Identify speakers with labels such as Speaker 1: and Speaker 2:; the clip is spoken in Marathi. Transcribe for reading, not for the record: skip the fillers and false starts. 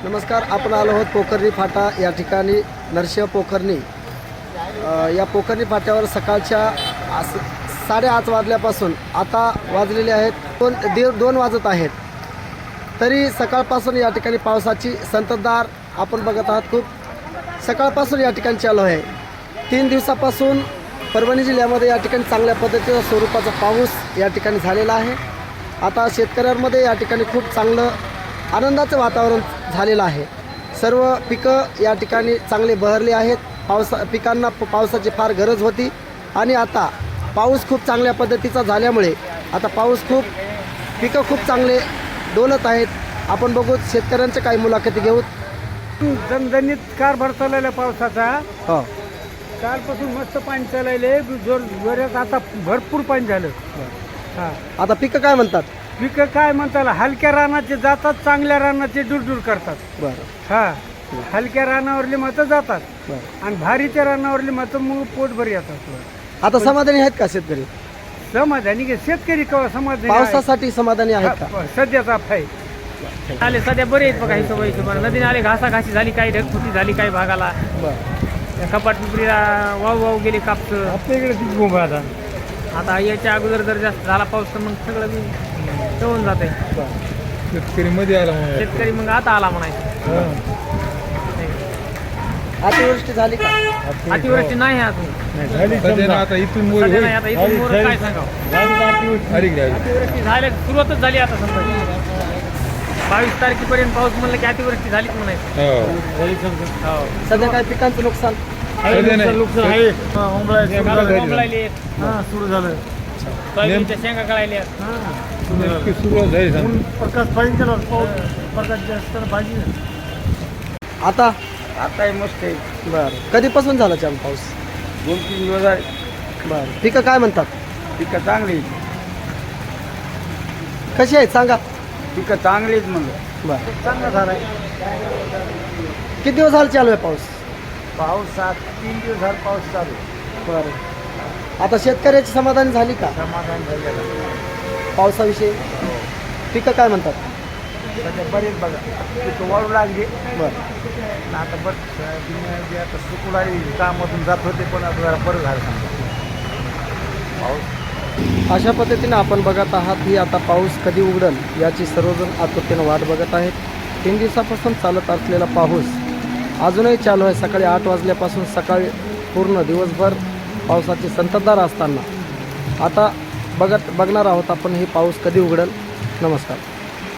Speaker 1: नमस्कार. आपण आलो आहोत पोखर्णी फाटा या ठिकाणी. नरशिंह पोखर्णी या पोखर्णी फाट्यावर सकाळच्या 8:30 वाजल्यापासून आता वाजलेले आहेत 2 वाजत आहेत, तरी सकाळपासून या ठिकाणी पावसाची संततधार आपण बघत आहात. खूप सकाळपासून या ठिकाणी चालू आहे. 3 दिवसापासून परभणी जिल्ह्यामध्ये या ठिकाणी चांगल्या पद्धतीचा स्वरूपाचा पाऊस या ठिकाणी झालेला आहे. आता शेतकऱ्यांमध्ये या ठिकाणी खूप चांगलं आनंदाचं वातावरण झालेलं आहे. सर्व पिकं या ठिकाणी चांगले बहरले आहेत. पिकांना पावसाची फार गरज होती आणि आता पाऊस खूप चांगल्या पद्धतीचा झाल्यामुळे आता पिकं खूप चांगले डोलत आहेत. आपण बघू, शेतकऱ्यांच्या काही मुलाखती घेऊ.
Speaker 2: दणदणीत कारभार चाललेला पावसाचा.
Speaker 1: हो,
Speaker 2: कालपासून मस्त पाणी चालले, जोरात आता भरपूर पाणी झालं. हा,
Speaker 1: आता पिकं काय म्हणतात?
Speaker 2: पिकं काय म्हणताला, हलक्या रानाचे जातात, चांगल्या रानाचे दूर करतात.
Speaker 1: बरं
Speaker 2: हा, हलक्या रानावरली मतं जातात
Speaker 1: बरं.
Speaker 2: आणि भारीच्या रानावरली मतं मग पोटभर येतात.
Speaker 1: आता समाधानी आहेत का शेतकरी?
Speaker 2: समाधानी की शेतकरी कवा समाधानी आहे?
Speaker 1: पावसासाठी समाधानी आहेत का?
Speaker 2: सध्याचा फाय
Speaker 3: आले सध्या बरे आहेत बघा. हिशोबाने नदीने आले, घासाघाशी झाली, काही ढगफुटी झाली, काही भागाला
Speaker 1: बरं.
Speaker 3: कपाट पिपरीला वाव गेले कापसं.
Speaker 2: आपल्या इकडे तीच बोंब आता.
Speaker 3: आता याच्या अगोदर जर जास्त झाला पाऊस तर मग सगळं बी तळून जाते.
Speaker 2: शेतकरी मध्ये आला
Speaker 3: शेतकरी मग आता आला म्हणायचं.
Speaker 1: अतिवृष्टी झाली का?
Speaker 3: अतिवृष्टी नाही अजून.
Speaker 2: आता इथून
Speaker 3: सध्या नाही. आता इथून मोर काय सांगावं. अतिवृष्टी झाल्या, सुरुवातच झाली आता समजा. 22 तारखेपर्यंत पाऊस म्हणलं की अतिवृष्टी झालीच म्हणायचं. हो.
Speaker 1: सध्या काय पिकांचं नुकसान?
Speaker 2: नुकसान आहे.
Speaker 3: बोंबलायले,
Speaker 2: सुरू झालं.
Speaker 3: सोयाबीनच्या शेंगा कळायल्या.
Speaker 2: सुरुवात झाली. प्रकाश पाहिजे ना, पाऊस प्रकाश जास्त पाहिजे.
Speaker 1: आता
Speaker 2: आता मस्त आहे.
Speaker 1: बरं, कधीपासून झाला चालू पाऊस?
Speaker 2: 2-3 दिवस आहे.
Speaker 1: बरं. पिकं काय म्हणतात?
Speaker 2: पिकं चांगली,
Speaker 1: कशी आहेत सांगा?
Speaker 2: पिकं चांगलीच म्हणलं.
Speaker 1: बरं.
Speaker 2: चांगला झाला.
Speaker 1: किती दिवस झाले चालू आहे पाऊस?
Speaker 2: पाऊस 3 दिवस झाला पाऊस चालू.
Speaker 1: बरं. आता शेतकऱ्याची समाधानी झाली का
Speaker 2: समाधान झालेलं.
Speaker 1: पावसाविषयी? पिकं काय म्हणतात?
Speaker 2: सध्या बरेच बघा पिकं वाळू लागली.
Speaker 1: बरं.
Speaker 2: आता बरं आता सुकून आली, कामातून जात होते, पण आता जरा बरं झालं समजा पाऊस.
Speaker 1: अशा पद्धतीने आपण बघत आहात की आता पाऊस कधी उघडेल याची सर्वजण आतुरतेनं वाट बघत आहेत. 3 दिवसापासून चालत असलेला पाऊस अजूनही चालू आहे. सकाळी 8 वाजल्यापासून सकाळी पूर्ण दिवसभर पावसाची संततधार असताना आता बघणार आहोत आपण हे पाऊस कधी उघडेल. नमस्कार.